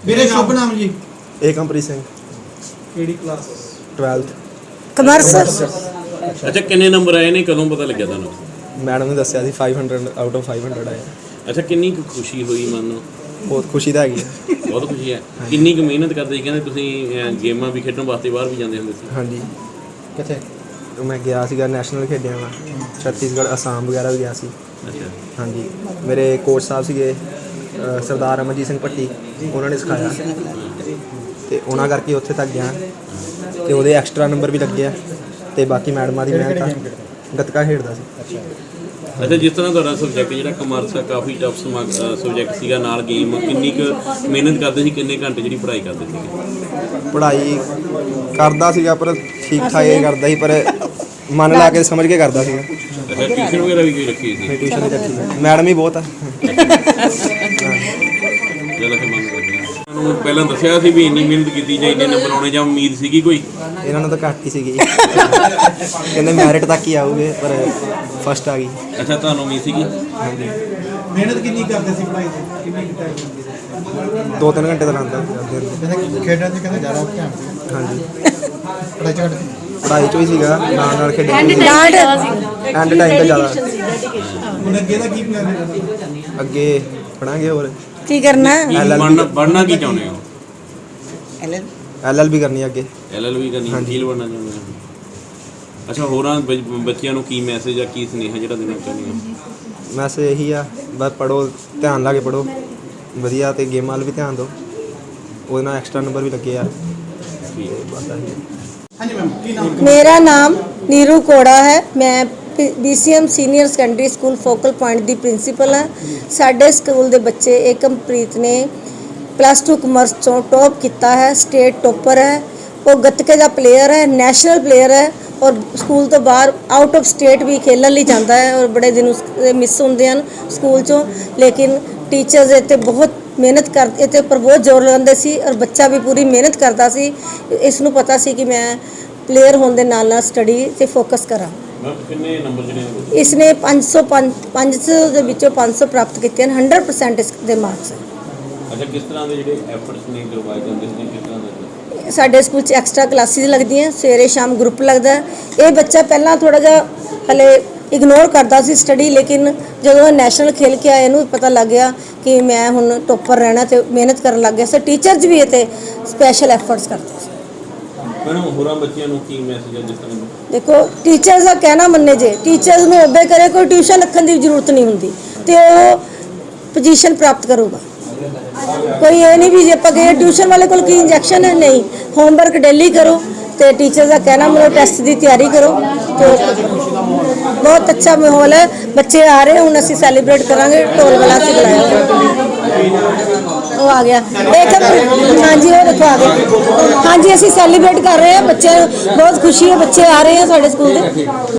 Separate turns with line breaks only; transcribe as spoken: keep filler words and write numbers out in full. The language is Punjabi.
मेरे शुभ नाम जी
ਏਕਮਪ੍ਰੀਤ ਸਿੰਘ
केड़ी क्लास
ट्वेल्थ
कमर्स।
अच्छा किन्ने नंबर आए ने कदों पता लग्या तुहानू?
मैडम ने दस्सिया सी five hundred out of five hundred आए।
अच्छा किन्नी कुछ खुशी हुई मन नू?
बहुत खुशी ਤਾਂ ਹੈਗੀ ਹੈ।
बहुत खुशी है। किन्नी कुछ मेहनत करते कहते तुसीं गेमां भी खेडण वास्ते बाहर भी जांदे हुंदे सी?
ਹਾਂਜੀ
किथे
ਮੈਂ ਗਿਆ ਸੀਗਾ ਨੈਸ਼ਨਲ ਖੇਡਿਆ ਵਾ ਛੱਤੀਸਗੜ੍ਹ ਅਸਾਮ ਵਗੈਰਾ ਵੀ ਗਿਆ ਸੀ।
अच्छा
ਹਾਂਜੀ ਮੇਰੇ ਕੋਚ ਸਾਹਿਬ ਸੀਗੇ ਅ, ਸਰਦਾਰ ਅਮਰਜੀਤ ਸਿੰਘ ਭੱਟੀ, ਉਹਨਾਂ ਨੇ ਸਿਖਾਇਆ ਤੇ ਉਹਨਾਂ ਕਰਕੇ ਉੱਥੇ ਤੱਕ ਗਿਆ ਤੇ ਉਹਦੇ ਐਕਸਟਰਾ ਨੰਬਰ ਵੀ ਲੱਗੇ ਆ ਤੇ ਬਾਕੀ ਮੈਡਮਾਂ ਦੀ ਮਿਹਨਤ ਆ। ਗੱਤਕਾ ਖੇਡਦਾ ਸੀ।
अच्छा जिस तरह ਤੁਹਾਡਾ ਸਬਜੈਕਟ ਜਿਹੜਾ ਕਮਰਸ ਆ ਕਾਫੀ ਟਫ ਸਬਜੈਕਟ ਸੀਗਾ ਨਾਲ ਗੇਮ ਕਿੰਨੀ ਕੁ ਮਿਹਨਤ ਕਰਦੇ ਸੀ ਕਿੰਨੇ ਘੰਟੇ ਜਿਹੜੀ ਪੜ੍ਹਾਈ ਕਰਦੇ ਸੀਗੇ?
ਪੜ੍ਹਾਈ ਕਰਦਾ ਸੀਗਾ ਪਰ ਠੀਕ ਠਾਕ ਹੀ ਕਰਦਾ ਸੀ, ਪਰ ਮਨ ਲਾ ਕੇ ਸਮਝ ਕੇ ਕਰਦਾ ਸੀਗਾ।
ਅੱਛਾ ਟਿਊਸ਼ਨ ਵਗੈਰਾ ਵੀ ਕੋਈ ਰੱਖੀ ਸੀ?
ਮੈਂ ਟਿਊਸ਼ਨ ਵੀ ਰੱਖੀ ਸੀ, ਮੈਡਮ ਹੀ ਬਹੁਤ ਆ।
ਜਿਹੜਾ ਕਿ ਮੰਨ ਕਰਦੇ ਤੁਹਾਨੂੰ ਪਹਿਲਾਂ ਦੱਸਿਆ ਸੀ ਵੀ ਇੰਨੀ ਮਿਹਨਤ ਕੀਤੀ ਜਾਂ ਇੰਨੇ ਨੰਬਰ ਆਉਣੇ ਜਾਂ ਉਮੀਦ ਸੀਗੀ ਕੋਈ?
ਇਹਨਾਂ ਨੂੰ ਤਾਂ ਘੱਟ ਹੀ ਸੀਗੀ, ਕਹਿੰਦੇ ਮੈਰਿਟ ਤੱਕ ਹੀ ਆਊਗੇ ਪਰ ਫਸਟ ਆ ਗਈ।
ਅੱਛਾ ਤੁਹਾਨੂੰ ਉਮੀਦ ਸੀਗੀ?
ਹਾਂਜੀ
मेहनत कितनी करते सी पढ़ाई ते कितनी टाइम लगदी सी
ਦੋ ਤਿੰਨ ਘੰਟੇ ਤਾਂ ਲਾਉਂਦਾ ਸੀ।
कहते खेडण च कहते ज्यादा ध्यान सी
ਹਾਂਜੀ
पढ़ाई च घट सी
ਪੜ੍ਹਾਈ 'ਚੋਂ ਹੀ ਸੀਗਾ, ਨਾਲ ਨਾਲ ਖੇਡਣ
डांट
ਐਂਡ ਟਾਈਮ ਤਾਂ ਜ਼ਿਆਦਾ।
हुन अगे दा की प्लान है?
ਅੱਗੇ ਪੜਾਂਗੇ ਹੋਰ
की करना
ਕੀ
L L B
ਬਣਨਾ ਬਣਨਾ ਕੀ ਚਾਹੁੰਦੇ ਹੋ?
ਐਲ ਐਲ ਬੀ ਕਰਨੀ ਅੱਗੇ।
ਐਲ ਐਲ ਵੀ ਕਰਨੀ ਵਕੀਲ ਬਣਨਾ ਚਾਹੁੰਦੇ ਹੋ? ਅੱਛਾ ਹੋਰਾਂ ਬੱਚ- ਬੱਚਿਆਂ ਨੂੰ ਕੀ ਮੈਸੇਜ ਆ ਕੀ ਸੁਨੇਹਾ ਜਿਹੜਾ ਦੇਣਾ ਚਾਹੁੰਦੇ ਹੋ?
ਮੈਸੇਜ ਇਹੀ ਆ ਬਸ ਪੜ੍ਹੋ, ਧਿਆਨ ਲਾ ਕੇ ਪੜ੍ਹੋ ਵਧੀਆ ਤੇ ਗੇਮਾਂ ਵੱਲ ਵੀ ਧਿਆਨ ਦਿਓ, ਉਹਦੇ ਨਾਲ ਐਕਸਟਰਾ ਨੰਬਰ ਵੀ ਲੱਗੇ ਆ।
ਠੀਕ ਹੈ।
ਬਸ ਆਹੀ ਹੈ।
हाँ जी मैम की नाम
मेरा नाम नीरू कोड़ा है। मैं B C M senior secondary school focal point ਦੀ ਪ੍ਰਿੰਸੀਪਲ ਹਾਂ। ਸਾਡੇ ਸਕੂਲ ਦੇ ਬੱਚੇ ਏਕਮਪ੍ਰੀਤ ਨੇ ਪਲੱਸ ਟੂ ਕਮਰਸ ਚੋਂ ਟੌਪ ਕੀਤਾ ਹੈ, ਸਟੇਟ ਟੋਪਰ ਹੈ। ਉਹ ਗੱਤਕੇ ਦਾ ਪਲੇਅਰ ਹੈ, ਨੈਸ਼ਨਲ ਪਲੇਅਰ ਹੈ ਔਰ ਸਕੂਲ ਤੋਂ ਬਾਹਰ ਆਊਟ ਆਫ ਸਟੇਟ ਵੀ ਖੇਲਣ ਲਈ ਜਾਂਦਾ ਹੈ ਔਰ ਬੜੇ ਦਿਨ ਉਸ ਮਿਸ ਹੁੰਦੇ ਹਨ ਸਕੂਲ ਚੋਂ। ਲੇਕਿਨ ਟੀਚਰਸ ਇੱਥੇ ਬਹੁਤ ਮਿਹਨਤ ਕਰ ਇਹਦੇ ਉੱਪਰ ਬਹੁਤ ਜ਼ੋਰ ਲਗਾਉਂਦੇ ਸੀ ਔਰ ਬੱਚਾ ਵੀ ਪੂਰੀ ਮਿਹਨਤ ਕਰਦਾ ਸੀ। ਇਸ ਨੂੰ ਪਤਾ ਸੀ ਕਿ ਮੈਂ ਪਲੇਅਰ ਹੋਣ ਦੇ ਨਾਲ ਨਾਲ ਸਟੱਡੀ 'ਤੇ ਫੋਕਸ ਕਰਾਂ।
ਮੈਮ ਕਿੰਨੇ ਨੰਬਰ ਜਿਹੜੇ ਨੇ?
ਇਸਨੇ ਪੰਜ ਸੌ ਪੰਜ ਸੌ ਦੇ ਵਿੱਚੋਂ ਪੰਜ ਸੌ ਪ੍ਰਾਪਤ ਕੀਤੇ ਹਨ। ਹੰਡਰਡ ਪਰਸੈਂਟ ਇਸ ਦੇ ਮਾਰਕਸ ਹੈ।
ਅੱਛਾ ਕਿਸ ਤਰ੍ਹਾਂ ਦੇ ਜਿਹੜੇ ਐਫਰਟਸ ਨੇ ਕਰਵਾਏ ਜਾਂਦੇ ਨੇ ਕਿਸ ਤਰ੍ਹਾਂ ਦੇ?
ਸਾਡੇ ਸਕੂਲ 'ਚ ਐਕਸਟਰਾ ਕਲਾਸਿਸ ਲੱਗਦੀਆਂ, ਸਵੇਰੇ ਸ਼ਾਮ ਗਰੁੱਪ ਲੱਗਦਾ। ਇਹ ਬੱਚਾ ਪਹਿਲਾਂ ਥੋੜ੍ਹਾ ਜਿਹਾ ਹਲੇ ਇਗਨੋਰ ਕਰਦਾ ਸੀ ਸਟੱਡੀ, ਲੇਕਿਨ ਜਦੋਂ ਨੈਸ਼ਨਲ ਖੇਲ ਕੇ ਆਇਆ ਇਹਨੂੰ ਪਤਾ ਲੱਗ ਗਿਆ ਕਿ ਮੈਂ ਹੁਣ ਟੋਪਰ ਰਹਿਣਾ ਤੇ ਮਿਹਨਤ ਕਰਨ ਲੱਗ ਗਿਆ। ਸੋ ਟੀਚਰਸ ਵੀ ਇਹ 'ਤੇ ਸਪੈਸ਼ਲ ਐਫਰਟਸ ਕਰਦੇ ਸੀ।
ਮੈਡਮ ਹੋਰਾਂ ਬੱਚਿਆਂ ਨੂੰ ਕੀ ਮੈਸੇਜ ਹੈ ਜਿਸ ਤਰ੍ਹਾਂ
ਦੇਖੋ ਟੀਚਰਸ ਦਾ ਕਹਿਣਾ ਮੰਨੇ, ਜੇ ਟੀਚਰਸ ਨੂੰ ਓਬੇ ਕਰੇ ਕੋਈ ਟਿਊਸ਼ਨ ਰੱਖਣ ਦੀ ਜ਼ਰੂਰਤ ਨਹੀਂ ਹੁੰਦੀ ਤੇ ਉਹ ਪੋਜੀਸ਼ਨ ਪ੍ਰਾਪਤ ਕਰੂਗਾ। ਕੋਈ ਇਹ ਨਹੀਂ ਵੀ ਜੇ ਆਪਾਂ ਕਹੀਏ ਟਿਊਸ਼ਨ ਵਾਲੇ ਕੋਲ ਕੀ ਇੰਜੈਕਸ਼ਨ ਹੈ, ਨਹੀਂ। ਹੋਮਵਰਕ ਡੇਲੀ ਕਰੋ ਤੇ ਟੀਚਰ ਦਾ ਕਹਿਣਾ ਮੰਨੋ, ਟੈਸਟ ਦੀ ਤਿਆਰੀ ਕਰੋ ਤੇ ਬਹੁਤ ਅੱਛਾ ਮਾਹੌਲ ਹੈ। ਬੱਚੇ ਆ ਰਹੇ ਹੁਣ ਅਸੀਂ ਸੈਲੀਬ੍ਰੇਟ ਕਰਾਂਗੇ। ਢੋਲ ਵਾਲਾ ਅਸੀਂ ਬੁਲਾਇਆ, ਉਹ ਆ ਗਿਆ। ਇੱਕ ਹਾਂਜੀ ਉਹ ਦੇਖੋ ਆ ਗਏ। ਹਾਂਜੀ ਅਸੀਂ ਸੈਲੀਬ੍ਰੇਟ ਕਰ ਰਹੇ ਹਾਂ, ਬੱਚੇ ਬਹੁਤ ਖੁਸ਼ੀ ਹੈ, ਬੱਚੇ ਆ ਰਹੇ ਆ ਸਾਡੇ ਸਕੂਲ ਦੇ।